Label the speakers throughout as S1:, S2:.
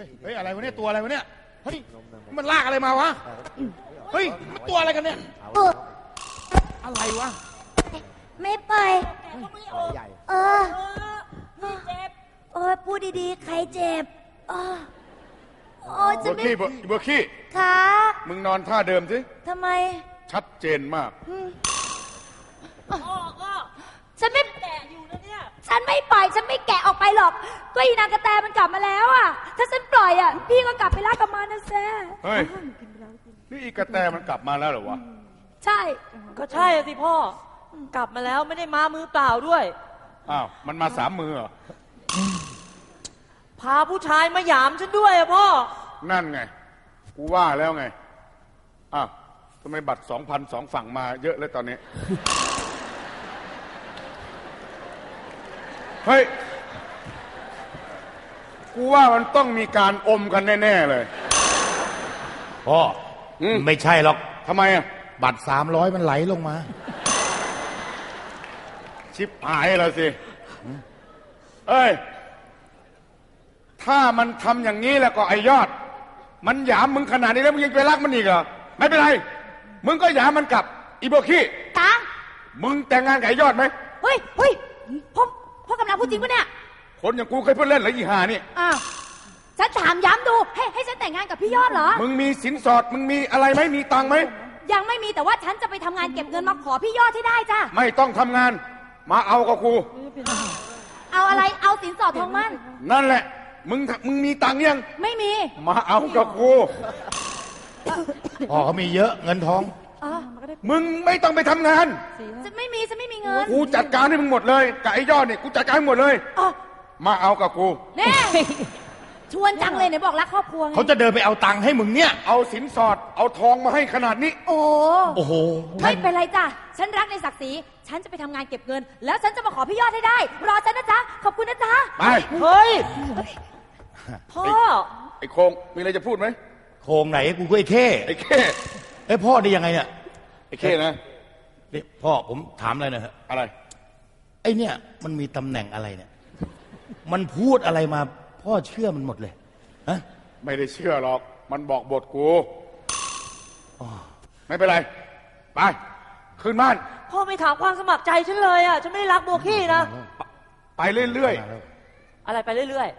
S1: เฮ้ยอะไรวะเนี่ยตัวอะไรวะเนี่ยเฮ้ยมันลากอะไรมาวะเฮ้ยมันตัวอะไรกันเนี่ยอะไรวะ
S2: ไม่ไปพูดดีๆใครเจ็บ
S1: จะไม่เบอร์ขี้
S2: ค่ะ
S1: มึงนอนท่าเดิมสิ
S2: ทำไม
S1: ชัดเจนมาก
S2: ฉันไม่แกะอยู่นะเนี่ยฉันไม่ปล่อยฉันไม่แกะออกไปหรอกก็อีนางกระแตมันกลับมาแล้วอ่ะถ้าฉันปล่อยอ่ะพี่ก็กลับไปรักกับมันนะแซ่
S1: เฮ้ยนี่อีกระแตมันกลับมาแล้วเหรอวะ
S2: ใช่
S3: ก็ใช่สิพ่อกลับมาแล้วไม่ได้มามือเปล่าด้วย
S1: อ้าวมันมา3 มือเหรอ
S3: พาผู้ชายมาหยามฉันด้วยอะพ่อ
S1: นั่นไงกูว่าแล้วไงอ้าวทำไมบัตร 2,000 2 ฝั่งมาเยอะเลยตอนนี้เฮ้ยกูว่ามันต้องมีการอมกันแน่ๆเลย
S4: พ่อไม่ใช่หรอก
S1: ทำไมอ่ะ
S4: บัตร300มันไหลลงมา
S1: ชิบหายแล้วสิเอ้ยถ้ามันทำอย่างนี้แล้วก็ไอยอดมันหยามมึงขนาดนี้แล้วมึงยังไปรักมันอีกเหรอไม่เป็นไรมึงก็หยามมันกลับอีโบขี้
S2: ตา
S1: มึงแต่งงานกับไอยอดไหม
S2: เฮ้ยพ่อกำลังพูดจริงปะเนี่ย
S1: คนอย่างกูเคยพูดเล่นเหรออีห่านี่
S2: ฉันถามย้ำดูให้ฉันแต่งงานกับพี่ยอดเหรอ
S1: มึงมีสินสอดมึงมีอะไรไหมมีตังไหม
S2: ยังไม่มีแต่ว่าฉันจะไปทำงานเก็บเงินมาขอพี่ยอดให้ได้จ้ะ
S1: ไม่ต้องทำงานมาเอากับกู
S2: เอาอะไรเอาสินสอดทองมั่น
S1: นั่นแหละมึงมีตังยัง
S2: ไม่มี
S1: มาเอากับกู
S4: พ่อเขามีเยอะเงินทอง
S1: มึงไม่ต้องไปทำงาน
S2: ฉันไม่มีเงิน
S1: กูจัดการให้มึงหมดเลยกับไอ้ยอดเนี่ยกูจัดการให้หมดเลยมาเอากับกู
S2: แน่ชวนจังเลยไหนบอกรักครอบครัว
S4: เขาจะเดินไปเอาตังค์ให้มึงเนี่ย
S1: เอาสินสอดเอาทองมาให้ขนาดนี้
S4: โอ้โห
S2: ไม่เป็นไรจ้ะฉันรักในศักดิ์ศรีฉันจะไปทำงานเก็บเงินแล้วฉันจะมาขอพี่ยอดให้ได้รอฉันนะจ๊ะขอบคุณนะจ๊ะ
S1: ไป
S3: เฮ้ยพ่อ
S1: ไอ้โคงมีอะไรจะพูดไหม
S4: โคงไหนกูก็ไอ้เข้ไอ้พ่อได้ยังไงเนี่ย
S1: ไอ้เข้นะ
S4: นี่พ่อผมถามอะไรหน่อยฮะ
S1: อะไร
S4: ไอ้เนี่ยมันมีตำแหน่งอะไรเนี่ยมันพูดอะไรมาพ่อเชื่อมันหมดเลยฮะ
S1: ไม่ได้เชื่อหรอกมันบอกบทกูไม่เป็นไรไปขึ้นบ้าน
S3: พ่อไม่ถามความสมัครใจฉันเลยอ่ะฉันไม่ได้รักโบกี้นะ
S1: ไปเรื่อย
S3: ๆอะไรไปเรื่อย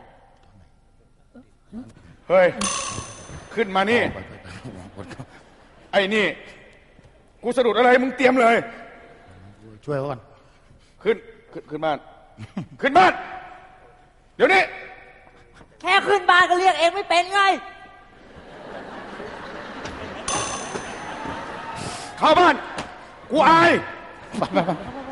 S1: ๆเฮ้ยขึ้นมานี่ไอ้นี่กูสะดุดอะไรมึงเตรียมเลย
S4: ช่วยเขาก่อน
S1: ขึ้นบ้านขึ้นบ้านเดี๋ยวนี้
S3: แค่ขึ้นบ้านก็เรียกเองไม่เป็นไง
S1: เข้าบ้านกูอาย